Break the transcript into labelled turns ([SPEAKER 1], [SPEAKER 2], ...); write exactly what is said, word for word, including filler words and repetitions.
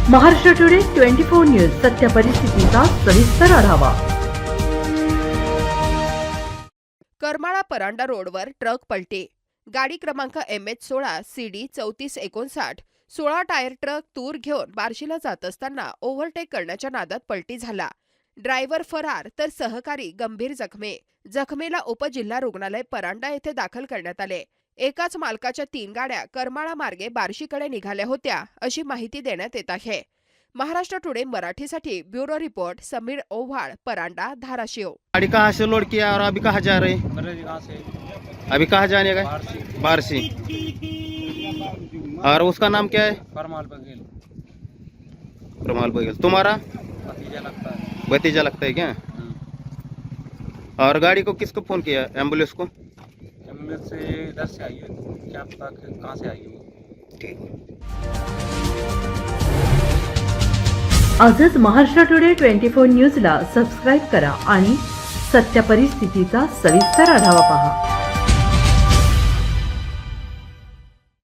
[SPEAKER 1] Maharashtra today twenty four news सत्य परिस्थितीचा सविस्तर आढावा।
[SPEAKER 2] करमाळा परांडा रोडवर ट्रक पलटी। गाडी क्रमांक एम एच सोळा सी डी चौतीस एकोणसाठ सोळा टायर ट्रक तूर घेऊन बार्शीला जात असताना ओव्हरटेक करण्याच्या नादात पलटी झाला। ड्रायव्हर फरार तर सहकारी गंभीर जखमी। जखमीला उपजिल्हा रुग्णालय परांडा येथे दाखल करण्यात आले। एकाच मालकाच्या तीन गाड्या करमाळा मार्गे बार्शीकडे निघाल्या होत्या अशी माहिती देण्यात येत आहे। महाराष्ट्र टुडे मराठीसाठी ब्युरो रिपोर्ट समीर ओव्हाळ, परांडा, धाराशिव।
[SPEAKER 3] गाड़ी कहाँ से लोड किया और अभी कहाँ जा रहे हैं?
[SPEAKER 4] करेजी कहाँ से?
[SPEAKER 3] अभी कहाँ जाने का?
[SPEAKER 4] बारसी।
[SPEAKER 3] बारसी। और उसका नाम क्या है?
[SPEAKER 4] परमाल बघेल।
[SPEAKER 3] प्रमाल बघेल। तुम्हारा
[SPEAKER 4] भतीजा लगता है।
[SPEAKER 3] भतीजा लगता है क्या? और गाड़ी को किसको फोन किया? एम्बुलेंस को?
[SPEAKER 4] एम्बुलेंस से इधर से आई है, क्या पता कि कहाँ से आई है।
[SPEAKER 3] ठीक।
[SPEAKER 1] आजच महाराष्ट्र टुडे ट्वेंटी फोर न्यूजला सबस्क्राईब करा आणि सत्य परिस्थितीचा सविस्तर आढावा पहा।